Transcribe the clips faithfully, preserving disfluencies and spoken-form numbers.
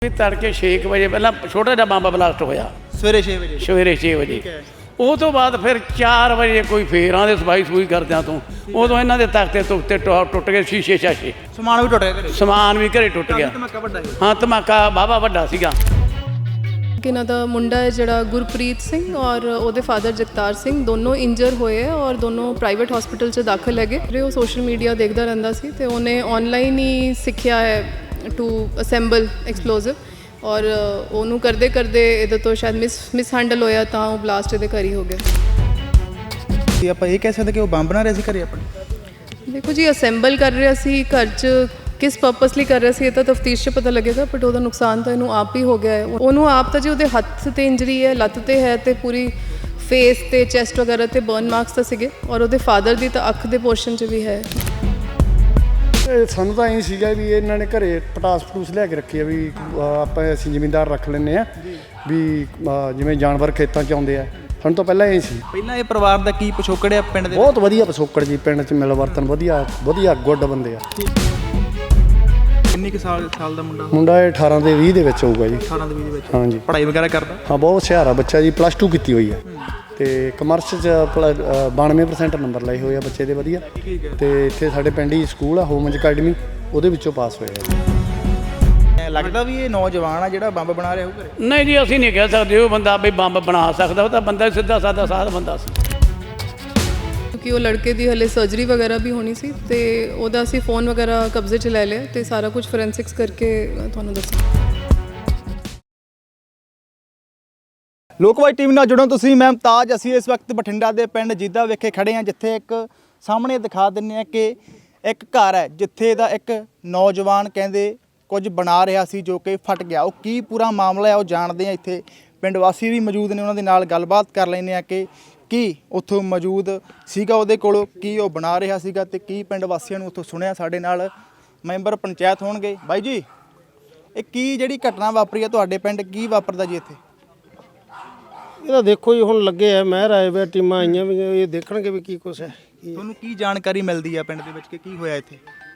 ਵੀ ਤੜਕੇ ਛੇ ਵਜੇ ਪਹਿਲਾਂ ਛੋਟਾ ਜਿਹਾ ਬੰਬ ਬਲਾਸਟ ਹੋਇਆ ਸਵੇਰੇ ਛੇ ਵਜੇ ਸਵੇਰੇ ਛੇ ਵਜੇ ਉਹ ਤੋਂ ਬਾਅਦ ਫਿਰ ਚਾਰ ਵਜੇ ਕੋਈ ਫੇਰਾਂ ਦੇ ਸਫਾਈ ਸਫੂਈ ਕਰਦਿਆਂ ਤੋਂ ਉਦੋਂ ਇਹਨਾਂ ਦੇ ਤਖਤੇ ਤੁਖਤੇ ਟੁੱਟ ਗਏ, ਸ਼ੀਸ਼ੇ ਸ਼ਾਸ਼ੇ ਸਮਾਨ ਵੀ ਟੁੱਟ ਗਿਆ ਘਰੇ, ਸਮਾਨ ਵੀ ਘਰੇ ਟੁੱਟ ਗਿਆ। ਧਮਾਕਾ ਵੱਡਾ ਸੀ। ਹਾਂ ਧਮਾਕਾ ਬਾਬਾ ਵੱਡਾ ਸੀਗਾ। ਇਹਨਾਂ ਦਾ ਮੁੰਡਾ ਹੈ ਜਿਹੜਾ ਗੁਰਪ੍ਰੀਤ ਸਿੰਘ ਔਰ ਉਹਦੇ ਫਾਦਰ ਜਗਤਾਰ ਸਿੰਘ ਦੋਨੋਂ ਇੰਜਰ ਹੋਏ ਹੈ ਔਰ ਦੋਨੋਂ ਪ੍ਰਾਈਵੇਟ ਹਸਪੀਟਲ 'ਚ ਦਾਖਲ ਹੈਗੇ। ਫਿਰ ਉਹ ਸੋਸ਼ਲ ਮੀਡੀਆ ਦੇਖਦਾ ਰਹਿੰਦਾ ਸੀ ਤੇ ਉਹਨੇ ਆਨਲਾਈਨ ਹੀ ਸਿੱਖਿਆ ਹੈ ਟੂ ਅਸੈਂਬਲ ਐਕਸਪਲੋਸਿਵ ਔਰ ਉਹਨੂੰ ਕਰਦੇ ਕਰਦੇ ਇਹਦੇ ਤੋਂ ਸ਼ਾਇਦ ਮਿਸ ਮਿਸ ਹੈਂਡਲ ਹੋਇਆ ਤਾਂ ਉਹ ਬਲਾਸਟ ਇਹਦੇ ਘਰ ਹੀ ਹੋ ਗਿਆ। ਕੀ ਆਪਾਂ ਇਹ ਕਹਿ ਸਕਦੇ ਕਿ ਉਹ ਬੰਬ ਬਣਾ ਰਿਹਾ ਸੀ ਘਰੇ ਆਪਣੇ? ਦੇਖੋ ਜੀ, ਅਸੈਂਬਲ ਕਰ ਰਿਹਾ ਸੀ ਘਰ 'ਚ, ਕਿਸ ਪਰਪਸ ਲਈ ਕਰ ਰਿਹਾ ਸੀ ਇਹ ਤਾਂ ਤਫਤੀਸ਼ 'ਚ ਪਤਾ ਲੱਗੇਗਾ, ਬਟ ਉਹਦਾ ਨੁਕਸਾਨ ਤਾਂ ਇਹਨੂੰ ਆਪ ਹੀ ਹੋ ਗਿਆ ਹੈ। ਉਹਨੂੰ ਆਪ ਤਾਂ ਜੀ ਉਹਦੇ ਹੱਥ 'ਤੇ ਇੰਜਰੀ ਹੈ, ਲੱਤ 'ਤੇ ਹੈ ਤੇ ਪੂਰੀ ਫੇਸ ਤੇ ਚੈਸਟ ਵਗੈਰਾ 'ਤੇ ਬਰਨ ਮਾਰਕਸ ਤਾਂ ਸੀਗੇ ਔਰ ਉਹਦੇ ਫਾਦਰ ਦੀ ਤਾਂ ਅੱਖ ਦੇ ਪੋਰਸ਼ਨ 'ਚ ਵੀ ਹੈ। ਸਾਨੂੰ ਤਾਂ ਇਹ ਸੀਗਾ ਵੀ ਇਹਨਾਂ ਨੇ ਘਰੇ ਪਟਾਸ ਪਟੂਸ ਲਿਆ ਕੇ ਰੱਖੀ ਆ ਵੀ ਆਪਾਂ ਅਸੀਂ ਜ਼ਿਮੀਂਦਾਰ ਰੱਖ ਲੈਂਦੇ ਆ ਵੀ ਜਿਵੇਂ ਜਾਨਵਰ ਖੇਤਾਂ 'ਚ ਆਉਂਦੇ ਆ। ਸਾਨੂੰ ਤਾਂ ਪਹਿਲਾਂ ਇਹ ਸੀ। ਪਹਿਲਾਂ ਇਹ ਪਰਿਵਾਰ ਦਾ ਕੀ ਪਿਛੋਕੜ ਹੈ ਪਿੰਡ ਦੇ? ਬਹੁਤ ਵਧੀਆ ਪਿਛੋਕੜ ਜੀ, ਪਿੰਡ 'ਚ ਮਿਲ ਵਰਤਨ ਵਧੀਆ ਵਧੀਆ ਗੁੱਡ ਬੰਦੇ ਆ। ਕਿੰਨੀ ਕੁ ਸਾਲ ਸਾਲ ਦਾ ਮੁੰਡਾ? ਮੁੰਡਾ ਇਹ ਅਠਾਰਾਂ ਦੇ ਵੀਹ ਦੇ ਵਿੱਚ ਹੋਊਗਾ ਜੀ। ਅਠਾਰਾਂ ਦੇ ਵੀਹ ਦੇ ਵਿੱਚ? ਹਾਂਜੀ। ਪੜ੍ਹਾਈ ਵਗੈਰਾ ਕਰਦਾ? ਹਾਂ, ਬਹੁਤ ਹੁਸ਼ਿਆਰ ਆ ਬੱਚਾ ਜੀ, ਪਲੱਸ ਟੂ ਕੀਤੀ ਹੋਈ ਆ ਤੇ ਕਮਰਸ 'ਚ ਬਾਨਵੇਂ ਪਰਸੈਂਟ ਨੰਬਰ ਲਏ ਹੋਏ ਆ ਬੱਚੇ ਦੇ ਵਧੀਆ। ਤੇ ਇੱਥੇ ਸਾਡੇ ਪਿੰਡ ਹੀ ਸਕੂਲ ਆ ਹੋਮਜ ਅਕੈਡਮੀ, ਉਹਦੇ ਵਿੱਚੋਂ ਪਾਸ ਹੋਇਆ। ਲੱਗਦਾ ਵੀ ਇਹ ਨੌਜਵਾਨ ਆ ਜਿਹੜਾ ਬੰਬ ਬਣਾ ਰਿਹਾ ਹੋਊ ਘਰੇ? ਨਹੀਂ ਜੀ, ਅਸੀਂ ਨਹੀਂ ਕਹਿ ਸਕਦੇ ਉਹ ਬੰਦਾ ਵੀ ਬੰਬ ਬਣਾ ਸਕਦਾ, ਉਹ ਤਾਂ ਬੰਦਾ ਸਿੱਧਾ ਸਾਦਾ ਸਾਧ ਬੰਦਾ ਸੀ। ਕਿਉਂਕਿ ਉਹ ਲੜਕੇ ਦੀ ਹਲੇ ਸਰਜਰੀ ਵਗੈਰਾ ਵੀ ਹੋਣੀ ਸੀ ਤੇ ਉਹਦਾ ਅਸੀਂ ਫੋਨ ਵਗੈਰਾ ਕਬਜ਼ੇ 'ਚ ਲੈ ਲਿਆ ਤੇ ਸਾਰਾ ਕੁਝ ਫੋਰੈਂਸਿਕਸ ਕਰਕੇ ਤੁਹਾਨੂੰ ਦੱਸਾਂ। ਲੋਕਵਾਈ ਟੀਵੀ ਨਾਲ ਜੁੜੋ ਤੁਸੀਂ। ਮੈਂ ਮੁਮਤਾਜ, ਅਸੀਂ ਇਸ ਵਕਤ ਬਠਿੰਡਾ ਦੇ ਪਿੰਡ ਜੀਦਾ ਵਿਖੇ ਖੜੇ ਹਾਂ, ਜਿੱਥੇ ਇੱਕ ਸਾਹਮਣੇ ਦਿਖਾ ਦਿੰਦੇ ਹਾਂ ਕਿ ਇੱਕ ਘਰ ਹੈ ਜਿੱਥੇ ਦਾ ਇੱਕ ਨੌਜਵਾਨ ਕਹਿੰਦੇ ਕੁਝ ਬਣਾ ਰਿਹਾ ਸੀ ਜੋ ਕਿ ਫਟ ਗਿਆ। ਉਹ ਕੀ ਪੂਰਾ ਮਾਮਲਾ ਹੈ ਉਹ ਜਾਣਦੇ ਹਾਂ। ਇੱਥੇ ਪਿੰਡ ਵਾਸੀ ਵੀ ਮੌਜੂਦ ਨੇ, ਉਹਨਾਂ ਦੇ ਨਾਲ ਗੱਲਬਾਤ ਕਰ ਲੈਂਦੇ ਹਾਂ ਕਿ ਕੀ ਉੱਥੋਂ ਮੌਜੂਦ ਸੀਗਾ ਉਹਦੇ ਕੋਲ, ਕੀ ਉਹ ਬਣਾ ਰਿਹਾ ਸੀਗਾ ਤੇ ਕੀ ਪਿੰਡ ਵਾਸੀਆਂ ਨੂੰ ਉੱਥੋਂ ਸੁਣਿਆ। ਸਾਡੇ ਨਾਲ ਮੈਂਬਰ ਪੰਚਾਇਤ ਹੋਣਗੇ। ਬਾਈ ਜੀ, ਇਹ ਕੀ ਜਿਹੜੀ ਘਟਨਾ ਵਾਪਰੀ ਹੈ ਤੁਹਾਡੇ ਪਿੰਡ, ਕੀ ਵਾਪਰਦਾ ਜੀ ਇੱਥੇ? ਇਹ ਤਾਂ ਦੇਖੋ ਜੀ, ਹੁਣ ਲੱਗੇ ਆ ਮਹਿਰ ਆਏ ਵੇ ਟੀਮਾਂ ਆਈਆਂ ਵੀ, ਇਹ ਦੇਖਣਗੇ ਵੀ ਕੀ ਕੁਛ ਹੈ। ਤੁਹਾਨੂੰ ਕੀ ਜਾਣਕਾਰੀ ਮਿਲਦੀ ਹੈ ਪਿੰਡ ਦੇ ਵਿੱਚ ਕਿ ਕੀ ਹੋਇਆ ਇੱਥੇ?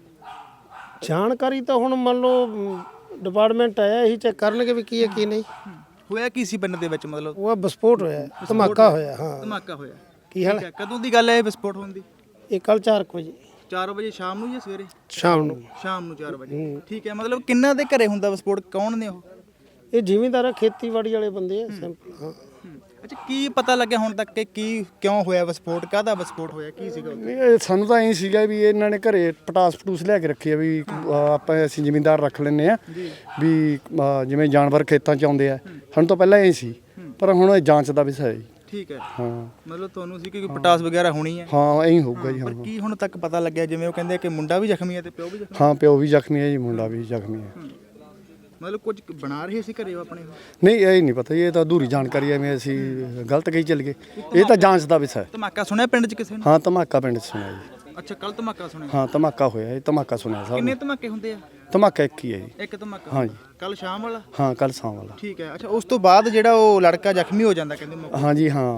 ਜਾਣਕਾਰੀ ਤਾਂ ਹੁਣ ਮੰਨ ਲਓ ਡਿਪਾਰਟਮੈਂਟ ਆਇਆ, ਇਹੀ ਚੈੱਕ ਕਰਨਗੇ ਵੀ ਕੀ ਹੈ ਕੀ ਨਹੀਂ। ਹੋਇਆ ਕੀ ਸੀ ਪਿੰਡ ਦੇ ਵਿੱਚ? ਮਤਲਬ ਉਹ ਵਿਸਫੋਟ ਹੋਇਆ, ਧਮਾਕਾ ਹੋਇਆ। ਹਾਂ, ਧਮਾਕਾ ਹੋਇਆ। ਕੀ ਹਾਲ? ਕਦੋਂ ਦੀ ਗੱਲ ਹੈ ਇਹ ਵਿਸਫੋਟ ਹੋਣ ਦੀ? ਇਹ ਕੱਲ ਚਾਰ ਵਜੇ ਚਾਰ ਵਜੇ ਸ਼ਾਮ ਨੂੰ ਜਾਂ ਸਵੇਰੇ? ਸ਼ਾਮ ਨੂੰ। ਸ਼ਾਮ ਨੂੰ ਚਾਰ ਵਜੇ। ਠੀਕ ਹੈ। ਮਤਲਬ ਕਿੰਨਾ ਦੇ ਘਰੇ ਹੁੰਦਾ ਵਿਸਫੋਟ? ਕੌਣ ਨੇ ਉਹ? ਇਹ ਜ਼ਿਮੀਂਦਾਰ ਖੇਤੀਬਾੜੀ ਵਾਲੇ ਬੰਦੇ ਆ ਸਿੰਪਲ। ਹਾਂ। ਅੱਛਾ, ਕੀ ਪਤਾ ਲੱਗਿਆ ਹੁਣ ਤੱਕ ਕਿ ਕੀ ਕਿਉਂ ਹੋਇਆ ਵਿਸਫੋਟ? ਕਾਹਦਾ ਵਿਸਫੋਟ ਹੋਇਆ? ਕੀ ਸੀਗਾ? ਇਹ ਸਾਨੂੰ ਤਾਂ ਇਹ ਸੀਗਾ ਵੀ ਇਹਨਾਂ ਨੇ ਘਰੇ ਪਟਾਸ ਪਟੂਸ ਲਿਆ ਕੇ ਰੱਖੀ ਆ ਵੀ ਆਪਾਂ ਅਸੀਂ ਜ਼ਿਮੀਂਦਾਰ ਰੱਖ ਲੈਂਦੇ ਆ ਵੀ ਜਿਵੇਂ ਜਾਨਵਰ ਖੇਤਾਂ 'ਚ ਆਉਂਦੇ ਆ। ਸਾਨੂੰ ਤਾਂ ਪਹਿਲਾਂ ਇਹ ਸੀ, ਪਰ ਹੁਣ ਇਹ ਜਾਂਚ ਦਾ ਵਿਸ਼ਾ ਹੈ ਜੀ। ਠੀਕ ਹੈ। ਹਾਂ, ਮਤਲਬ ਤੁਹਾਨੂੰ ਸੀ ਕਿ ਕੋਈ ਪਟਾਸ ਵਗੈਰਾ ਹੋਣੀ ਹੈ? ਹਾਂ ਐਂ ਹੋਊਗਾ ਜੀ। ਪਰ ਹਾਂ, ਕੀ ਹੁਣ ਤੱਕ ਪਤਾ ਲੱਗਿਆ? ਜਿਵੇਂ ਉਹ ਕਹਿੰਦੇ ਕਿ ਮੁੰਡਾ ਵੀ ਜ਼ਖਮੀ ਹੈ ਤੇ ਪਿਓ ਵੀ ਜ਼ਖਮੀ? ਹਾਂ ਪਿਓ ਵੀ ਜ਼ਖਮੀ ਹੈ ਜੀ, ਮੁੰਡਾ ਵੀ ਜ਼ਖਮੀ ਹੈ। ਮਤਲਬ ਕੁਝ ਬਣਾ ਰਹੇ ਸੀ ਘਰੇ ਆਪਣੇ? ਨਹੀਂ, ਇਹ ਨਹੀਂ ਪਤਾ, ਇਹ ਤਾਂ ਅਧੂਰੀ ਜਾਣਕਾਰੀ ਐਵੇਂ ਅਸੀਂ ਗਲਤ ਕਹੀ ਚੱਲ ਗਏ। ਇਹ ਤਾਂ ਜਾਂਚ ਦਾ ਵਿਸ਼ਾ ਹੈ। ਧਮਾਕਾ ਸੁਣਿਆ ਪਿੰਡ 'ਚ ਕਿਸੇ ਨੇ? ਹਾਂ, ਧਮਾਕਾ ਪਿੰਡ 'ਚ ਸੁਣਿਆ ਜੀ। ਅੱਛਾ, ਕੱਲ ਧਮਾਕਾ ਸੁਣਿਆ? ਹਾਂ, ਧਮਾਕਾ ਹੋਇਆ, ਇਹ ਧਮਾਕਾ ਸੁਣਿਆ ਸਭ ਕਿੰਨੇ ਨੇ। ਧਮਾਕੇ ਹੁੰਦੇ ਆ? ਧਮਾਕਾ ਇੱਕ ਹੀ ਹੈ ਜੀ। ਇੱਕ ਧਮਾਕਾ? ਹਾਂਜੀ। ਕੱਲ ਸ਼ਾਮ ਵਾਲਾ? ਹਾਂ, ਕੱਲ ਸ਼ਾਮ ਵਾਲਾ। ਠੀਕ ਹੈ। ਅੱਛਾ, ਉਸ ਤੋਂ ਬਾਅਦ ਜਿਹੜਾ ਉਹ ਲੜਕਾ ਜ਼ਖਮੀ ਹੋ ਜਾਂਦਾ ਕਹਿੰਦੇ ਮੌਕੇ? ਹਾਂਜੀ ਹਾਂ,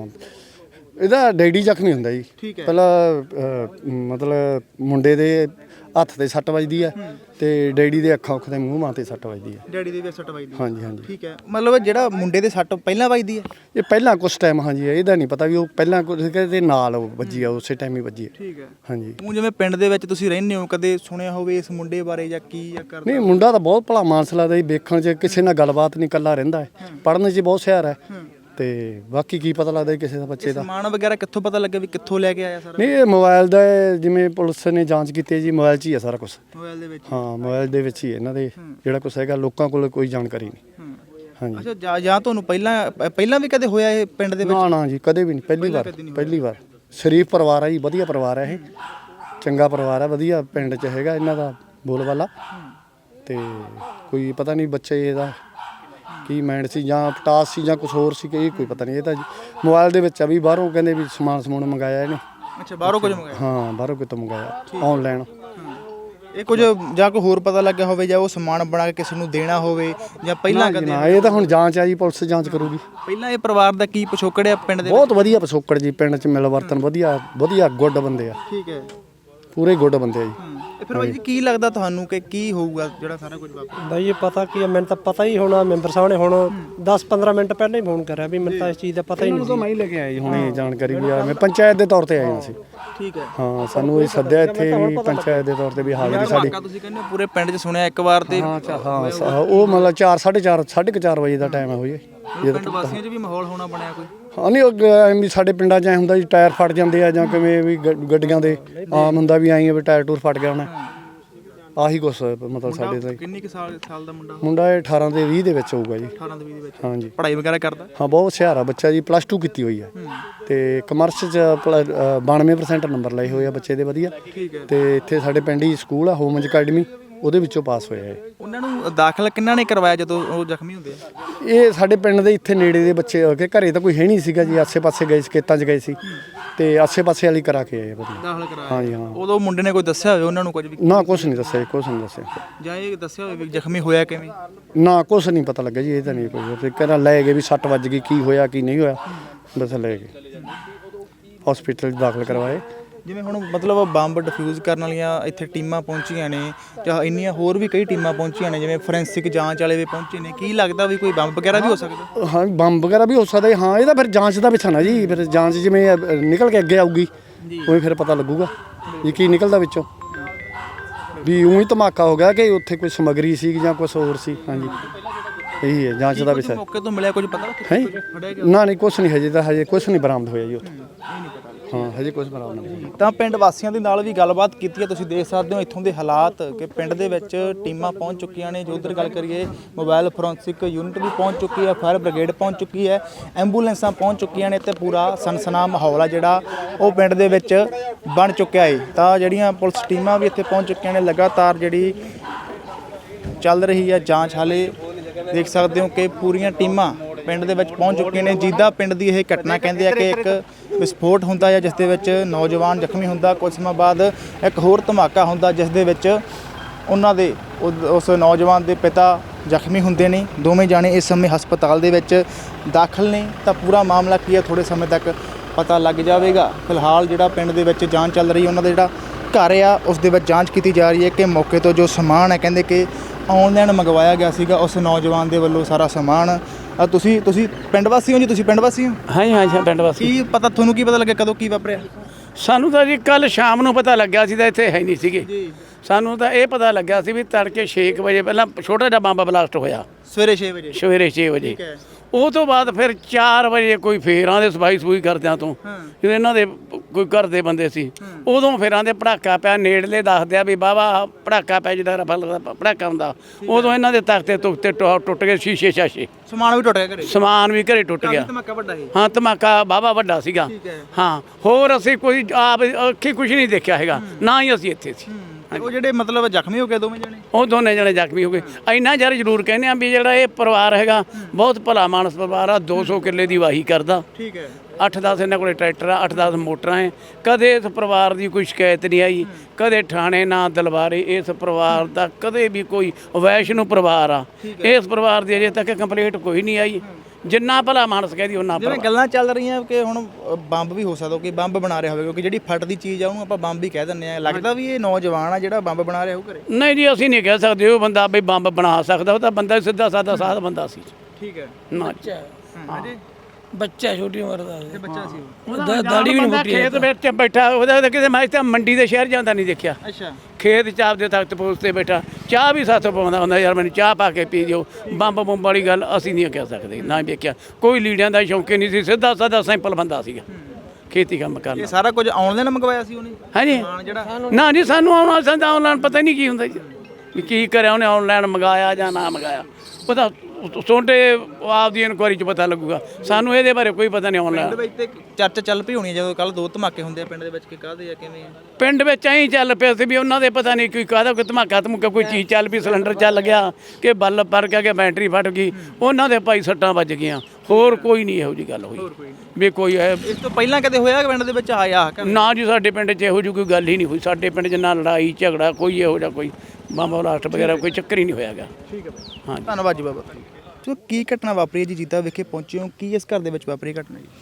ਇਹਦਾ ਡੈਡੀ ਜ਼ਖਮੀ ਹੁੰਦਾ ਜੀ। ਠੀਕ ਹੈ। ਪਹਿਲਾਂ ਮਤਲਬ ਮੁੰਡੇ ਦੇ ਹੱਥ ਤੇ ਸੱਟ ਵੱਜਦੀ ਹੈ ਤੇ ਡੈਡੀ ਦੇ ਅੱਖਾਂ ਉੱਖ ਦੇ ਮੂੰਹ ਮਾਂ ਤੇ ਸੱਟ ਵੱਜਦੀ ਹੈ। ਡੈਡੀ ਦੀ ਵੀ ਸੱਟ ਵੱਜਦੀ ਹੈ? ਹਾਂਜੀ ਹਾਂਜੀ। ਠੀਕ ਹੈ। ਮਤਲਬ ਜਿਹੜਾ ਮੁੰਡੇ ਦੇ ਸੱਟ ਪਹਿਲਾਂ ਵੱਜਦੀ ਹੈ? ਇਹ ਪਹਿਲਾਂ ਕੁਛ ਟਾਈਮ, ਹਾਂਜੀ ਇਹਦਾ ਨਹੀਂ ਪਤਾ ਵੀ ਉਹ ਪਹਿਲਾਂ ਕੁਝ ਦੇ ਨਾਲ ਉਹ ਵੱਜੀ ਆ, ਉਸੇ ਟਾਈਮ ਹੀ ਵੱਜੀ ਹੈ। ਠੀਕ ਹੈ। ਹਾਂਜੀ। ਉਹ ਜਿਵੇਂ ਪਿੰਡ ਦੇ ਵਿੱਚ ਤੁਸੀਂ ਰਹਿੰਦੇ ਹੋ, ਕਦੇ ਸੁਣਿਆ ਹੋਵੇ ਇਸ ਮੁੰਡੇ ਬਾਰੇ ਜਾਂ ਕੀ ਜਾਂ ਕਰਦਾ? ਨਹੀਂ, ਮੁੰਡਾ ਤਾਂ ਬਹੁਤ ਭਲਾ ਮਾਨਸ ਲੱਗਦਾ ਜੀ, ਵੇਖਣ 'ਚ ਕਿਸੇ ਨਾਲ ਗੱਲਬਾਤ ਨਹੀਂ, ਇਕੱਲਾ ਰਹਿੰਦਾ ਹੈ, ਪੜ੍ਹਨ 'ਚ ਬਹੁਤ ਹੁਸ਼ਿਆਰ ਹੈ ਤੇ ਬਾਕੀ ਕੀ ਪਤਾ ਲੱਗਦਾ ਕਿਸੇ ਦਾ ਬੱਚੇ ਦਾ। ਸਮਾਨ ਵਗੈਰਾ ਕਿੱਥੋਂ ਪਤਾ ਲੱਗਿਆ ਵੀ ਕਿੱਥੋਂ ਲੈ ਕੇ ਆਇਆ ਸਾਰਾ? ਨਹੀਂ, ਇਹ ਮੋਬਾਈਲ ਦਾ ਜਿਵੇਂ ਪੁਲਿਸ ਨੇ ਜਾਂਚ ਕੀਤੀ ਜੀ, ਮੋਬਾਈਲ 'ਚ ਹੀ ਹੈ ਸਾਰਾ ਕੁਝ। ਮੋਬਾਈਲ ਦੇ ਵਿੱਚ? ਹਾਂ, ਮੋਬਾਈਲ ਦੇ ਵਿੱਚ ਹੀ ਇਹਨਾਂ ਦੇ ਜਿਹੜਾ ਕੁਛ ਹੈਗਾ, ਲੋਕਾਂ ਕੋਲ ਕੋਈ ਜਾਣਕਾਰੀ ਨਹੀਂ। ਹਾਂਜੀ। ਅੱਛਾ, ਜਾਂ ਜਾਂ ਤੁਹਾਨੂੰ ਪਹਿਲਾਂ ਪਹਿਲਾਂ ਵੀ ਕਦੇ ਹੋਇਆ ਇਹ ਪਿੰਡ ਦੇ ਵਿੱਚ? ਨਾ ਨਾ ਜੀ, ਕਦੇ ਵੀ ਨਹੀਂ, ਪਹਿਲੀ ਵਾਰ ਪਹਿਲੀ ਵਾਰ। ਸ਼ਰੀਫ ਪਰਿਵਾਰ ਹੈ ਜੀ, ਵਧੀਆ ਪਰਿਵਾਰ ਹੈ ਇਹ, ਚੰਗਾ ਪਰਿਵਾਰ ਹੈ, ਵਧੀਆ ਪਿੰਡ 'ਚ ਹੈਗਾ ਇਹਨਾਂ ਦਾ ਬੋਲਬਾਲਾ। ਤੇ ਕੋਈ ਪਤਾ ਨਹੀਂ ਬੱਚੇ ਇਹਦਾ ਕੀ ਮਾਈਂਡ ਸੀ, ਜਾਂ ਪਟਾਸ ਸੀ ਜਾਂ ਕੁਝ ਹੋਰ ਸੀ, ਕਿ ਇਹ ਕੋਈ ਪਤਾ ਨਹੀਂ। ਇਹ ਤਾਂ ਮੋਬਾਈਲ ਦੇ ਵਿੱਚ ਆ ਵੀ ਬਾਹਰੋਂ ਕਹਿੰਦੇ ਵੀ ਸਮਾਨ ਸਮੂਨ ਮੰਗਾਇਆ ਇਹਨੇ। ਅੱਛਾ, ਬਾਹਰੋਂ ਕੁਝ ਮੰਗਾਇਆ? ਹਾਂ, ਬਾਹਰੋਂ ਕਿਤੋਂ ਮੰਗਾਇਆ ਆਨਲਾਈਨ। ਇਹ ਕੁਝ ਜਾਂ ਕੋਈ ਹੋਰ ਪਤਾ ਲੱਗਿਆ ਹੋਵੇ ਜਾਂ ਉਹ ਸਮਾਨ ਬਣਾ ਕੇ ਕਿਸੇ ਨੂੰ ਦੇਣਾ ਹੋਵੇ ਜਾਂ ਪਹਿਲਾਂ ਕਦੇ? ਨਾ, ਇਹ ਤਾਂ ਹੁਣ ਜਾਂਚ ਆ ਜੀ, ਪੁਲਿਸ ਜਾਂਚ ਕਰੂਗੀ। ਪਹਿਲਾਂ ਇਹ ਪਰਿਵਾਰ ਦਾ ਕੀ ਪਿਛੋਕੜ ਹੈ ਪਿੰਡ ਦੇ? ਬਹੁਤ ਵਧੀਆ ਪਿਛੋਕੜ ਜੀ, ਪਿੰਡ 'ਚ ਮਿਲ ਵਰਤਨ ਵਧੀਆ ਵਧੀਆ ਗੁੱਡ ਬੰਦੇ ਆ। ਠੀਕ ਹੈ। ਪੂਰੇ ਗੁੱਡ ਬੰਦੇ ਆ ਜੀ। ਫਿਰ ਬਾਈ ਜੀ ਕੀ ਲੱਗਦਾ ਤੁਹਾਨੂੰ ਕਿ ਕੀ ਹੋਊਗਾ ਜਿਹੜਾ ਸਾਰਾ ਕੁਝ ਵਾਪਰਿਆ? ਬਾਈ ਇਹ ਪਤਾ ਕੀ ਹੈ, ਮੈਨੂੰ ਤਾਂ ਪਤਾ ਹੀ ਹੋਣਾ। ਮੈਂਬਰ ਸਾਹਿਬ ਨੇ ਹੁਣ ਦਸ ਪੰਦਰਾਂ ਮਿੰਟ ਪਹਿਲਾਂ ਹੀ ਫੋਨ ਕਰਿਆ ਵੀ ਮੈਨੂੰ ਤਾਂ ਇਸ ਚੀਜ਼ ਦਾ ਪਤਾ ਹੀ ਨਹੀਂ ਸੀ। ਮੈਂ ਹੀ ਲੈ ਕੇ ਆਇਆ ਜੀ ਹੁਣੇ ਜਾਣਕਾਰੀ ਵੀ ਆ, ਮੈਂ ਪੰਚਾਇਤ ਦੇ ਤੌਰ ਤੇ ਆਏ ਹਾਂ ਅਸੀਂ। ਠੀਕ ਹੈ। ਹਾਂ ਸਾਨੂੰ ਇਹ ਸੱਦਿਆ ਇੱਥੇ ਵੀ ਪੰਚਾਇਤ ਦੇ ਤੌਰ ਤੇ ਵੀ ਹਾਜ਼ਰੀ ਸਾਡੀ। ਤੁਸੀਂ ਕਹਿੰਦੇ ਹੋ ਪੂਰੇ ਪਿੰਡ 'ਚ ਸੁਣਿਆ ਇੱਕ ਵਾਰ ਤੇ ਹਾਂ ਹਾਂ ਸ- ਉਹ ਮਤਲਬ ਚਾਰ ਸਾਢੇ ਚਾਰ ਸਾਢੇ ਕੁ ਚਾਰ ਵਜੇ ਦਾ ਟਾਈਮ ਹੈ ਹੋਈ ਪਿੰਡ ਵਾਸੀਆਂ 'ਚ ਵੀ ਮਾਹੌਲ ਹੋਣਾ ਬਣਿਆ ਕੋਈ? ਹਾਂ ਨਹੀਂ ਉਹ ਐਂ ਵੀ ਸਾਡੇ ਪਿੰਡਾਂ 'ਚ ਐ ਹੁੰਦਾ ਜੀ ਟਾਇਰ ਫਟ ਜਾਂਦੇ ਆ ਜਾਂ ਕਿਵੇਂ ਵੀ ਗ- ਗੱਡੀਆਂ ਦੇ ਆਮ ਹੁੰਦਾ ਵੀ ਐਂ ਵੀ ਟਾਇਰ ਟੂਰ ਫਟ ਗਿਆ ਹੋਣਾ। ਆਹੀ ਕੁਛ ਮਤਲਬ ਸਾਡੇ ਦਾ ਕਿੰਨੀ ਕੁ ਸਾਲ ਸਾਲ ਦਾ ਮੁੰਡਾ? ਮੁੰਡਾ ਇਹ ਅਠਾਰਾਂ ਤੇ ਵੀਹ ਦੇ ਵਿੱਚ ਹੋਊਗਾ ਜੀ। ਅਠਾਰਾਂ ਦੇ ਵੀਹ ਦੇ ਵਿੱਚ। ਹਾਂਜੀ ਪੜ੍ਹਾਈ ਵਗੈਰਾ ਕਰਦਾ? ਹਾਂ ਬਹੁਤ ਹੁਸ਼ਿਆਰ ਆ ਬੱਚਾ ਜੀ, ਪਲੱਸ ਟੂ ਕੀਤੀ ਹੋਈ ਹੈ ਤੇ ਕਮਰਸ 'ਚ ਪਲ- ਅ, ਬਾਨਵੇਂ ਪਰਸੈਂਟ ਨੰਬਰ ਲਏ ਹੋਏ ਆ ਬੱਚੇ ਦੇ ਵਧੀਆ। ਤੇ ਇੱਥੇ ਸਾਡੇ ਪਿੰਡ ਹੀ ਸਕੂਲ ਆ ਹੋਮਜ ਅਕੈਡਮੀ, ਉਹਦੇ ਵਿੱਚੋਂ ਪਾਸ ਹੋਇਆ ਹੈ। ਉਹਨਾਂ ਨੂੰ ਦਾਖਲ ਕਿੰਨਾ ਨੇ ਕਰਵਾਇਆ ਜਦੋਂ ਉਹ ਜ਼ਖਮੀ ਹੁੰਦੇ ਆ? ਇਹ ਸਾਡੇ ਪਿੰਡ ਦੇ ਇੱਥੇ ਨੇੜੇ ਦੇ ਬੱਚੇ ਹੋ ਕੇ, ਘਰੇ ਤਾਂ ਕੋਈ ਹੈ ਨਹੀਂ ਸੀਗਾ ਜੀ, ਆਸੇ-ਪਾਸੇ ਗਏ ਸੀ, ਖੇਤਾਂ 'ਚ ਗਏ ਸੀ ਤੇ ਆਸੇ-ਪਾਸੇ ਵਾਲੀ ਕਰਾ ਕੇ ਆਏ ਵਧੀਆ। ਦਾਖਲ ਕਰਾਇਆ? ਹਾਂਜੀ ਹਾਂ। ਉਦੋਂ ਮੁੰਡੇ ਨੇ ਕੋਈ ਦੱਸਿਆ ਹੋਵੇ ਉਹਨਾਂ ਨੂੰ ਕੁਝ ਵੀ? ਨਾ ਕੁਛ ਨਹੀਂ ਦੱਸਿਆ, ਕੁਛ ਨਹੀਂ ਦੱਸਿਆ। ਜਾਂ ਇਹ ਦੱਸਿਆ ਹੋਵੇ ਵੀ ਜ਼ਖਮੀ ਹੋਇਆ ਕਿਵੇਂ? ਨਾ ਕੁਛ ਨਹੀਂ ਪਤਾ ਲੱਗਾ ਜੀ, ਇਹ ਤਾਂ ਨਹੀਂ ਕੋਈ ਤੇ ਕਹਿੰਦਾ ਲੈ ਗਏ ਵੀ ਸੱਟ ਵੱਜ ਗਈ, ਕੀ ਹੋਇਆ ਕੀ ਨਹੀਂ ਹੋਇਆ, ਬਸ ਲੈ ਗਏ ਹਸਪੀਟਲ 'ਚ ਦਾਖਲ ਕਰਵਾਏ। ਜਿਵੇਂ ਹੁਣ ਮਤਲਬ ਬੰਬ ਡਿਫਿਊਜ਼ ਕਰਨ ਵਾਲੀਆਂ ਇੱਥੇ ਟੀਮਾਂ ਪਹੁੰਚੀਆਂ ਨੇ ਜਾਂ ਇੰਨੀਆਂ ਹੋਰ ਵੀ ਕਈ ਟੀਮਾਂ ਪਹੁੰਚੀਆਂ ਨੇ, ਜਿਵੇਂ ਫੋਰੈਂਸਿਕ ਜਾਂਚ ਵਾਲੇ ਵੀ ਪਹੁੰਚੇ ਨੇ, ਕੀ ਲੱਗਦਾ ਵੀ ਕੋਈ ਬੰਬ ਵਗੈਰਾ ਵੀ ਹੋ ਸਕਦਾ? ਹਾਂ ਬੰਬ ਵਗੈਰਾ ਵੀ ਹੋ ਸਕਦਾ ਹੈ। ਹਾਂ ਇਹ ਤਾਂ ਫਿਰ ਜਾਂਚ ਦਾ ਵਿਸ਼ਾ ਨਾ ਜੀ, ਫਿਰ ਜਾਂਚ ਜਿਵੇਂ ਅ, ਨਿਕਲ ਕੇ ਅੱਗੇ ਆਊਗੀ ਉਹੀ ਫਿਰ ਪਤਾ ਲੱਗੂਗਾ ਵੀ ਕੀ ਨਿਕਲਦਾ ਵਿੱਚੋਂ, ਵੀ ਉਹੀ ਧਮਾਕਾ ਹੋ ਗਿਆ ਕਿ ਉੱਥੇ ਕੋਈ ਸਮੱਗਰੀ ਸੀ ਜਾਂ ਕੁਝ ਹੋਰ ਸੀ। ਹਾਂਜੀ ਇਹੀ ਹੈ ਜਾਂਚ ਦਾ ਵਿਸ਼ਾ। ਮੌਕੇ ਤੋਂ ਮਿਲਿਆ ਕੁਝ ਪਤਾ? ਹੈ ਨਾ ਨਹੀਂ ਕੁਛ ਨਹੀਂ, ਹਜੇ ਤਾਂ ਹਜੇ ਕੁਛ ਨਹੀਂ ਬਰਾਮਦ ਹੋਇਆ ਜੀ ਉੱਥੇ। ਹਾਂ ਹਜੇ ਕੁਛ ਬਰਾਮਦ ਨਹੀਂ। ਤਾਂ ਪਿੰਡ ਵਾਸੀਆਂ ਦੇ ਨਾਲ ਵੀ ਗੱਲਬਾਤ ਕੀਤੀ ਹੈ, ਤੁਸੀਂ ਦੇਖ ਸਕਦੇ ਹੋ ਇੱਥੋਂ ਦੇ ਹਾਲਾਤ ਕਿ ਪਿੰਡ ਦੇ ਵਿੱਚ ਟੀਮਾਂ ਪਹੁੰਚ ਚੁੱਕੀਆਂ ਨੇ। ਜੋ ਉੱਧਰ ਗੱਲ ਕਰੀਏ ਮੋਬਾਈਲ ਫੋਰੈਂਸਿਕ ਯੂਨਿਟ ਵੀ ਪਹੁੰਚ ਚੁੱਕੀ ਹੈ, ਫਾਇਰ ਬ੍ਰਿਗੇਡ ਪਹੁੰਚ ਚੁੱਕੀ ਹੈ, ਐਂਬੂਲੈਂਸਾਂ ਪਹੁੰਚ ਚੁੱਕੀਆਂ ਨੇ ਤੇ ਪੂਰਾ ਸਨਸਨਾ ਮਾਹੌਲ ਆ ਜਿਹੜਾ ਉਹ ਪਿੰਡ ਦੇ ਵਿੱਚ ਬਣ ਚੁੱਕਿਆ ਹੈ। ਤਾਂ ਜਿਹੜੀਆਂ ਪੁਲਿਸ ਟੀਮਾਂ ਵੀ ਇੱਥੇ ਪਹੁੰਚ ਚੁੱਕੀਆਂ ਨੇ, ਲਗਾਤਾਰ ਜਿਹੜੀ ਚੱਲ ਰਹੀ ਹੈ ਜਾਂਚ। ਹਾਲੇ ਦੇਖ ਸਕਦੇ ਹੋ ਕਿ ਪੂਰੀਆਂ ਟੀਮਾਂ ਪਿੰਡ ਦੇ ਵਿੱਚ ਪਹੁੰਚ ਚੁੱਕੀਆਂ ਨੇ। ਜੀਦਾ ਪਿੰਡ ਦੀ ਇਹ ਘਟਨਾ ਕਹਿੰਦੇ ਆ ਕਿ ਇੱਕ ਵਿਸਫੋਟ ਹੁੰਦਾ ਹੈ ਜਿਸ ਦੇ ਵਿੱਚ ਨੌਜਵਾਨ ਜ਼ਖਮੀ ਹੁੰਦਾ, ਕੁਝ ਸਮਾਂ ਬਾਅਦ ਇੱਕ ਹੋਰ ਧਮਾਕਾ ਹੁੰਦਾ ਜਿਸ ਦੇ ਵਿੱਚ ਉਹਨਾਂ ਦੇ ਉਸ ਨੌਜਵਾਨ ਦੇ ਪਿਤਾ ਜ਼ਖਮੀ ਹੁੰਦੇ ਨੇ। ਦੋਵੇਂ ਜਾਣੇ ਇਸ ਸਮੇਂ ਹਸਪਤਾਲ ਦੇ ਵਿੱਚ ਦਾਖਲ ਨੇ। ਤਾਂ ਪੂਰਾ ਮਾਮਲਾ ਕੀ ਹੈ ਥੋੜ੍ਹੇ ਸਮੇਂ ਤੱਕ ਪਤਾ ਲੱਗ ਜਾਵੇਗਾ। ਫਿਲਹਾਲ ਜਿਹੜਾ ਪਿੰਡ ਦੇ ਵਿੱਚ ਜਾਂਚ ਚੱਲ ਰਹੀ ਹੈ, ਉਹਨਾਂ ਦਾ ਜਿਹੜਾ ਘਰ ਆ ਉਸ ਦੇ ਵਿੱਚ ਜਾਂਚ ਕੀਤੀ ਜਾ ਰਹੀ ਹੈ ਕਿ ਮੌਕੇ ਤੋਂ ਜੋ ਸਮਾਨ ਹੈ ਕਹਿੰਦੇ ਕਿ ਆਨਲਾਈਨ ਮੰਗਵਾਇਆ ਗਿਆ ਸੀਗਾ ਉਸ ਨੌਜਵਾਨ ਦੇ ਵੱਲੋਂ ਸਾਰਾ ਸਮਾਨ। ਅ ਤੁਸੀਂ ਤੁਸੀਂ ਪਿੰਡ ਵਾਸੀ ਹੋ ਜੀ? ਤੁਸੀਂ ਪਿੰਡ ਵਾਸੀ ਹੋ? ਹਾਂ ਜੀ, ਹਾਂ ਜੀ, ਪਿੰਡ ਵਾਸੀ। ਕੀ ਪਤਾ ਤੁਹਾਨੂੰ, ਕੀ ਪਤਾ ਲੱਗਿਆ ਕਦੋਂ ਕੀ ਵਾਪਰਿਆ? ਸਾਨੂੰ ਤਾਂ ਜੀ ਕੱਲ ਸ਼ਾਮ ਨੂੰ ਪਤਾ ਲੱਗਿਆ ਸੀ, ਤਾਂ ਇੱਥੇ ਹੈ ਨਹੀਂ ਸੀਗੇ। ਸਾਨੂੰ ਤਾਂ ਇਹ ਪਤਾ ਲੱਗਿਆ ਸੀ ਵੀ ਤੜਕੇ ਛੇ ਕੁ ਵਜੇ ਪਹਿਲਾਂ ਛੋਟਾ ਜਿਹਾ ਬੰਬ ਬਲਾਸਟ ਹੋਇਆ, ਸਵੇਰੇ ਛੇ ਵਜੇ। ਸਵੇਰੇ ਛੇ ਵਜੇ। ਉਹ ਤੋਂ ਬਾਅਦ ਫਿਰ ਚਾਰ ਵਜੇ ਕੋਈ ਫੇਰਾਂ ਦੇ ਸਫਾਈ ਸਫੂਈ ਕਰਦਿਆਂ ਤੋਂ, ਜਦੋਂ ਇਹਨਾਂ ਦੇ ਕੋਈ ਘਰ ਦੇ ਬੰਦੇ ਸੀ, ਉਦੋਂ ਫੇਰਾਂ ਦੇ ਪੜਾਕਾ ਪਿਆ। ਨੇੜਲੇ ਦੱਸਦੇ ਆ ਵੀ ਵਾਹਵਾ ਪੜਾਕਾ ਪਿਆ, ਜਿਹੜਾ ਰਫਲ ਦਾ ਪੜਾਕਾ ਹੁੰਦਾ। ਉਦੋਂ ਇਹਨਾਂ ਦੇ ਤਖਤੇ ਤੁਖਤੇ ਟੁੱਟ ਗਏ, ਸ਼ੀਸ਼ੇ ਸ਼ਾਸ਼ੇ, ਸਮਾਨ ਵੀ ਟੁੱਟ ਗਿਆ ਘਰੇ? ਸਮਾਨ ਵੀ ਘਰੇ ਟੁੱਟ ਗਿਆ। ਧਮਾਕਾ ਵੱਡਾ ਸੀ? ਹਾਂ ਧਮਾਕਾ ਵਾਹਵਾ ਵੱਡਾ ਸੀਗਾ। ਹਾਂ ਹੋਰ ਅਸੀਂ ਕੋਈ ਆਪ ਅੱਖੀ ਕੁਝ ਨਹੀਂ ਦੇਖਿਆ ਹੈਗਾ, ਨਾ ਹੀ ਅਸੀਂ ਇੱਥੇ ਸੀ। ਉਹ ਜਿਹੜੇ ਮਤਲਬ ਜ਼ਖਮੀ ਹੋ ਗਏ ਦੋਵੇਂ ਜਣੇ? ਉਹ ਦੋਨੇ ਜਣੇ ਜ਼ਖਮੀ ਹੋ ਗਏ। ਇੰਨਾ ਯਾਰ ਜ਼ਰੂਰ ਕਹਿੰਦੇ ਆ ਵੀ ਜਿਹੜਾ ਇਹ ਪਰਿਵਾਰ ਹੈਗਾ ਬਹੁਤ ਭਲਾ ਮਾਨਸ ਪਰਿਵਾਰ ਆ। ਦੋ ਸੌ ਕਿੱਲੇ ਦੀ ਵਾਹੀ ਕਰਦਾ, ਠੀਕ ਹੈ। ਅੱਠ ਦਸ ਇਹਨਾਂ ਕੋਲੇ ਟਰੈਕਟਰ ਆ, ਅੱਠ ਦਸ ਮੋਟਰਾਂ ਹੈ। ਕਦੇ ਇਸ ਪਰਿਵਾਰ ਦੀ ਕੋਈ ਸ਼ਿਕਾਇਤ ਨਹੀਂ ਆਈ, ਕਦੇ ਥਾਣੇ ਨਾ ਦਲਵਾਰੇ। ਇਸ ਪਰਿਵਾਰ ਦਾ ਕਦੇ ਵੀ ਕੋਈ ਵੈਸ਼ਨੂ ਪਰਿਵਾਰ ਆ, ਇਸ ਪਰਿਵਾਰ ਦੀ ਅਜੇ ਤੱਕ ਕੰਪਲੇਂਟ ਕੋਈ ਨਹੀਂ ਆਈ। ਜਿੰਨਾ ਭਲਾ ਮਾਨਸ ਕਹਦੀ ਉਹਨਾਂ ਜਿਵੇਂ ਗੱਲਾਂ ਚੱਲ ਰਹੀਆਂ ਕਿ ਹੁਣ ਬੰਬ ਵੀ ਹੋ ਸਕਦਾ ਕਿ ਬੰਬ ਬਣਾ ਰਿਹਾ ਹੋਵੇ, ਕਿਉਂਕਿ ਜਿਹੜੀ ਫਟਦੀ ਚੀਜ਼ ਆ ਉਹਨੂੰ ਆਪਾਂ ਬੰਬ ਹੀ ਕਹਿ ਦਿੰਦੇ ਆ। ਲੱਗਦਾ ਵੀ ਇਹ ਨੌਜਵਾਨ ਆ ਜਿਹੜਾ ਬੰਬ ਬਣਾ ਰਿਹਾ ਉਹ ਘਰੇ? ਨਹੀਂ ਜੀ, ਅਸੀਂ ਨਹੀਂ ਕਹਿ ਸਕਦੇ ਉਹ ਬੰਦਾ ਵੀ ਬੰਬ ਬਣਾ ਸਕਦਾ। ਉਹ ਤਾਂ ਬੰਦਾ ਸਿੱਧਾ ਸਾਦਾ ਸਾਧ ਬੰਦਾ ਸੀ। ਠੀਕ ਹੈ। ਨਾ ਬੱਚਾ ਛੋਟੀ ਉਮਰ ਦਾ ਤੇ ਬੱਚਾ ਸੀ ਉਹ? ਉਹਦਾ ਦਾੜੀ ਵੀ ਨਹੀਂ ਮੁੱਟੀ। ਖੇਤ ਵਿੱਚ ਬੈਠਾ, ਉਹਦਾ ਤਾਂ ਕਿਤੇ ਮੈਂ ਤਾਂ ਮੰਡੀ ਦੇ ਸ਼ਹਿਰ ਜਾਂਦਾ ਨਹੀਂ ਦੇਖਿਆ। ਅੱਛਾ। ਖੇਤ ਚ ਆਪਦੇ ਤਖਤ ਪੋਸ ਤੇ ਬੈਠਾ ਚਾਹ ਵੀ ਸਾਥੋਂ ਪਾਉਂਦਾ ਹੁੰਦਾ, ਯਾਰ ਮੈਨੂੰ ਚਾਹ ਪਾ ਕੇ ਪੀ ਦਿਓ। ਬੰਬ ਬੰਬ ਵਾਲੀ ਗੱਲ ਅਸੀਂ ਨਹੀਂ ਕਹਿ ਸਕਦੇ, ਨਾ ਵੇਖਿਆ। ਕੋਈ ਲੀੜਿਆਂ ਦਾ ਸ਼ੌਂਕੀ ਨਹੀਂ ਸੀ, ਸਿੱਧਾ ਸਾਦਾ ਸਿੰਪਲ ਬੰਦਾ ਸੀਗਾ, ਖੇਤੀ ਕੰਮ ਕਰਨਾ। ਇਹ ਸਾਰਾ ਕੁਝ ਆਨਲਾਈਨ ਮੰਗਵਾਇਆ ਸੀ ਉਹਨੇ? ਹਾਂਜੀ। ਜਿਹੜਾ ਨਾ ਜੀ ਸਾਨੂੰ ਆਉਣਾ ਸੰਦਾ ਆਨਲਾਈਨ ਪਤਾ ਨਹੀਂ ਕੀ ਹੁੰਦਾ ਜੀ, ਵੀ ਕੀ ਕਰਿਆ ਉਹਨੇ, ਆਨਲਾਈਨ ਮੰਗਾਇਆ ਜਾਂ ਨਾ ਮੰਗਾਇਆ। ਪਤਾ ਤੁਹਾਡੇ ਆਪਦੀ ਇਨਕੁਆਰੀ 'ਚ ਪਤਾ ਲੱਗੂਗਾ, ਸਾਨੂੰ ਇਹਦੇ ਬਾਰੇ ਕੋਈ ਪਤਾ ਨਹੀਂ। ਆਨਲਾਈਨ ਪਿੰਡ ਵਿੱਚ ਤੇ ਚਰਚਾ ਚੱਲ ਪਈ ਹੋਣੀ ਜਦੋਂ ਕੱਲ ਦੋ ਧਮਾਕੇ ਹੁੰਦੇ ਆ ਪਿੰਡ ਦੇ ਵਿੱਚ, ਕਿ ਕਾਹਦੇ ਆ ਕਿਵੇਂ ਆ? ਪਿੰਡ ਵਿੱਚ ਐਂ ਚੱਲ ਪਿਆ ਸੀ ਵੀ ਉਹਨਾਂ ਦੇ ਪਤਾ ਨਹੀਂ ਕੋਈ ਕਾਹਦਾ ਕੋਈ ਧਮਾਕਾ ਧਮਕਾ ਕੋਈ ਚੀਜ਼ ਚੱਲ ਪਈ, ਸਿਲੰਡਰ ਚੱਲ ਗਿਆ ਕਿ ਬਲਬ ਪਰ ਗਿਆ ਕਿ ਬੈਟਰੀ ਫਟ ਗਈ, ਉਹਨਾਂ ਦੇ ਭਾਈ ਸੱਟਾਂ ਵੱਜ ਗਈਆਂ। ਹੋਰ ਕੋਈ ਨਹੀਂ ਇਹੋ ਜਿਹੀ ਗੱਲ ਹੋਈ ਵੀ ਕੋਈ ਹੈ। ਇਸ ਤੋਂ ਪਹਿਲਾਂ ਕਦੇ ਹੋਇਆ ਕਿ ਪਿੰਡ ਦੇ ਵਿੱਚ ਆਇਆ? ਨਾ ਜੀ, ਸਾਡੇ ਪਿੰਡ 'ਚ ਇਹੋ ਜਿਹੀ ਕੋਈ ਗੱਲ ਹੀ ਨਹੀਂ ਹੋਈ। ਸਾਡੇ ਪਿੰਡ 'ਚ ਨਾ ਲੜਾਈ ਝਗੜਾ ਕੋਈ ਇਹੋ ਜਿਹਾ ਕੋਈ ਬੰਬ ਬਲਾਸਟ ਵਗੈਰਾ ਕੋਈ ਚੱਕਰ ਹੀ ਨਹੀਂ ਹੋਇਆਗਾ। ਠੀਕ ਹੈ ਹਾਂ, ਧੰਨਵਾਦ ਜੀ ਬਾਬਾ। ਸੋ ਕੀ ਘਟਨਾ ਵਾਪਰੀ ਹੈ ਜੀ? ਜੀਤਾ ਵਿਖੇ ਪਹੁੰਚੇ ਹੋ, ਕੀ ਇਸ ਘਰ ਦੇ ਵਿੱਚ ਵਾਪਰੀ ਘਟਨਾ ਜੀ?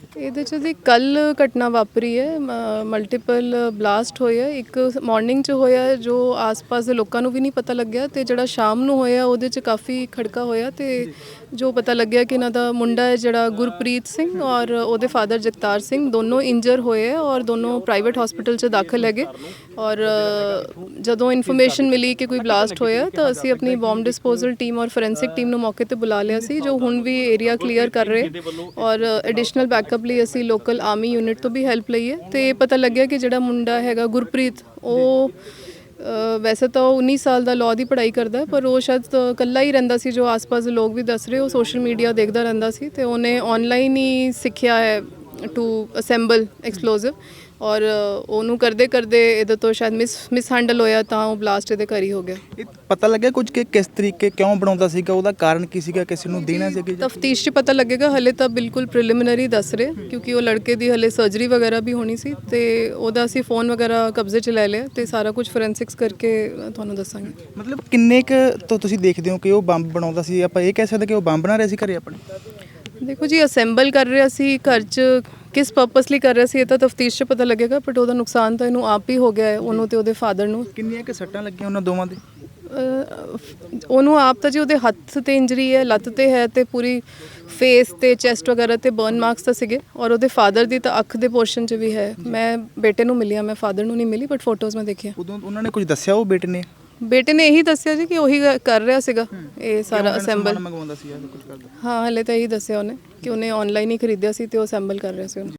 ਇਹਦੇ 'ਚ ਦੀ ਕੱਲ ਘਟਨਾ ਵਾਪਰੀ ਹੈ, ਮਲਟੀਪਲ ਬਲਾਸਟ ਹੋਏ ਆ। ਇੱਕ ਮਾਰਨਿੰਗ 'ਚ ਹੋਇਆ ਜੋ ਆਸ-ਪਾਸ ਦੇ ਲੋਕਾਂ ਨੂੰ ਵੀ ਨਹੀਂ ਪਤਾ ਲੱਗਿਆ, ਤੇ ਜਿਹੜਾ ਸ਼ਾਮ ਨੂੰ ਹੋਇਆ ਉਹਦੇ 'ਚ ਕਾਫੀ ਖੜਕਾ ਹੋਇਆ, ਤੇ ਜੋ ਪਤਾ ਲੱਗਿਆ ਕਿ ਇਹਨਾਂ ਦਾ ਮੁੰਡਾ ਹੈ ਜਿਹੜਾ ਗੁਰਪ੍ਰੀਤ ਸਿੰਘ ਔਰ ਉਹਦੇ ਫਾਦਰ ਜਗਤਾਰ ਸਿੰਘ ਦੋਨੋਂ ਇੰਜਰ ਹੋਏ ਆ ਔਰ ਦੋਨੋਂ ਪ੍ਰਾਈਵੇਟ ਹਸਪੀਟਲ 'ਚ ਦਾਖਲ ਹੈਗੇ। ਔਰ ਜਦੋਂ ਇਨਫੋਰਮੇਸ਼ਨ ਮਿਲੀ ਕਿ ਕੋਈ ਬਲਾਸਟ ਹੋਇਆ ਤਾਂ ਅਸੀਂ ਆਪਣੀ ਬੰਬ ਡਿਸਪੋਜ਼ਲ ਟੀਮ ਔਰ ਫੋਰੈਂਸਿਕ ਟੀਮ ਨੂੰ ਮੌਕੇ ਤੇ ਬੁਲਾ ਲਿਆ ਸੀ, ਜੋ ਹੁਣ ਵੀ ਏਰੀਆ ਕਲੀਅਰ ਕਰ ਰਹੇ ਔਰ ਐਡੀਸ਼ਨਲ ਬੈਕਅਪ ਲਈ ਅਸੀਂ ਲੋਕਲ ਆਰਮੀ ਯੂਨਿਟ ਤੋਂ ਵੀ ਹੈਲਪ ਲਈ ਹੈ। ਤੇ ਪਤਾ ਲੱਗਿਆ ਕਿ ਜਿਹੜਾ ਮੁੰਡਾ ਹੈਗਾ ਗੁਰਪ੍ਰੀਤ, ਉਹ ਵੈਸੇ ਤਾਂ ਉਹ ਉੱਨੀ ਸਾਲ ਦਾ ਲਾਅ ਦੀ ਪੜ੍ਹਾਈ ਕਰਦਾ ਹੈ, ਪਰ ਉਹ ਸ਼ਾਇਦ ਇਕੱਲਾ ਹੀ ਰਹਿੰਦਾ ਸੀ, ਜੋ ਆਸ-ਪਾਸ ਦੇ ਲੋਕ ਵੀ ਦੱਸ ਰਹੇ। ਉਹ ਸੋਸ਼ਲ ਮੀਡੀਆ ਦੇਖਦਾ ਰਹਿੰਦਾ ਸੀ ਤੇ ਉਹਨੇ ਆਨਲਾਈਨ ਹੀ ਸਿੱਖਿਆ ਹੈ ਟੂ ਅਸੈਂਬਲ ਐਕਸਪਲੋਸਿਵ, ਔਰ ਉਹਨੂੰ ਕਰਦੇ ਕਰਦੇ ਇਹਦੇ ਤੋਂ ਸ਼ਾਇਦ ਮਿਸ ਮਿਸ ਹੈਂਡਲ ਹੋਇਆ ਤਾਂ ਉਹ ਬਲਾਸਟ ਇਹਦੇ ਘਰ ਹੀ ਹੋ ਗਿਆ। ਇਹ ਪਤਾ ਲੱਗਿਆ ਕੁਝ ਕਿ ਕਿਸ ਤਰੀਕੇ ਕਿਉਂ ਬਣਾਉਂਦਾ ਸੀਗਾ, ਉਹਦਾ ਕਾਰਨ ਕੀ ਸੀਗਾ, ਕਿਸੇ ਨੂੰ ਦੇਣਾ ਸੀ ਕਿ ਤਫਤੀਸ਼ 'ਚ ਪਤਾ ਲੱਗੇਗਾ। ਹਲੇ ਤਾਂ ਬਿਲਕੁਲ ਪ੍ਰੀਲਿਮਿਨਰੀ ਦੱਸ ਰਹੇ, ਕਿਉਂਕਿ ਉਹ ਲੜਕੇ ਦੀ ਹਲੇ ਸਰਜਰੀ ਵਗੈਰਾ ਵੀ ਹੋਣੀ ਸੀ, ਤੇ ਉਹਦਾ ਅਸੀਂ ਫੋਨ ਵਗੈਰਾ ਕਬਜ਼ੇ 'ਚ ਲੈ ਲਿਆ ਤੇ ਸਾਰਾ ਕੁਝ ਫੋਰੈਂਸਿਕਸ ਕਰਕੇ ਤੁਹਾਨੂੰ ਦੱਸਾਂਗੇ। ਮਤਲਬ ਕਿੰਨੇ ਕੁ ਤੋਂ ਤੁਸੀਂ ਦੇਖਦੇ ਹੋ ਕਿ ਉਹ ਬੰਬ ਬਣਾਉਂਦਾ ਸੀ? ਆਪਾਂ ਇਹ ਕਹਿ ਸਕਦੇ ਕਿ ਉਹ ਬੰਬ ਬਣਾ ਰਿਹਾ ਸੀ ਘਰੇ ਆਪਣੇ? ਦੇਖੋ ਜੀ, ਅਸੈਂਬਲ ਕਰ ਰਿਹਾ ਸੀ ਘਰ 'ਚ, ਕਿਸ ਪਰਪਸ ਲਈ ਕਰ ਰਿਹਾ ਸੀ ਇਹ ਤਾਂ ਤਫਤੀਸ਼ 'ਚ ਪਤਾ ਲੱਗੇਗਾ, ਬਟ ਉਹਦਾ ਨੁਕਸਾਨ ਤਾਂ ਇਹਨੂੰ ਆਪ ਹੀ ਹੋ ਗਿਆ ਹੈ, ਉਹਨੂੰ ਤੇ ਉਹਦੇ ਫਾਦਰ ਨੂੰ। ਕਿੰਨੀਆਂ ਕੁ ਸੱਟਾਂ ਲੱਗੀਆਂ ਉਹਨਾਂ ਦੋਵਾਂ ਦੇ? ਉਹਨੂੰ ਆਪ ਤਾਂ ਜੀ ਉਹਦੇ ਹੱਥ ਤੇ ਇੰਜਰੀ ਹੈ, ਲੱਤ ਤੇ ਹੈ, ਤੇ ਪੂਰੀ ਫੇਸ ਤੇ ਚੈਸਟ ਵਗੈਰਾ ਤੇ ਬਰਨ ਮਾਰਕਸ ਤਾਂ ਸੀਗੇ, ਔਰ ਉਹਦੇ ਫਾਦਰ ਦੀ ਤਾਂ ਅੱਖ ਦੇ ਪੋਰਸ਼ਨ 'ਚ ਵੀ ਹੈ। ਮੈਂ ਬੇਟੇ ਨੂੰ ਮਿਲੀ ਆ, ਮੈਂ ਫਾਦਰ ਨੂੰ ਨਹੀਂ ਮਿਲੀ, ਬਟ ਫੋਟੋਜ਼ ਮੈਂ ਦੇਖੀਆਂ। ਉਦੋਂ ਉਹਨਾਂ ਨੇ ਕੁਝ ਦੱਸਿਆ ਉਹ ਬੇਟੇ ਨੇ? ਬੇਟੇ ਨੇ ਇਹੀ ਦੱਸਿਆ ਜੀ ਕਿ ਉਹੀ ਕਰ ਰਿਹਾ ਸੀਗਾ ਇਹ ਸਾਰਾ ਅਸੈਂਬਲ। ਮੰਗਵਾਉਂਦਾ ਸੀ ਜਾਂ ਕੁਝ ਕਰਦਾ? ਹਾਂ, ਹਲੇ ਤਾਂ ਇਹੀ ਦੱਸਿਆ ਉਹਨੇ ਕਿ ਉਹਨੇ ਆਨਲਾਈਨ ਹੀ ਖਰੀਦਿਆ ਸੀ ਤੇ ਉਹ ਅਸੈਂਬਲ ਕਰ ਰਿਹਾ ਸੀ ਉਹਨੂੰ।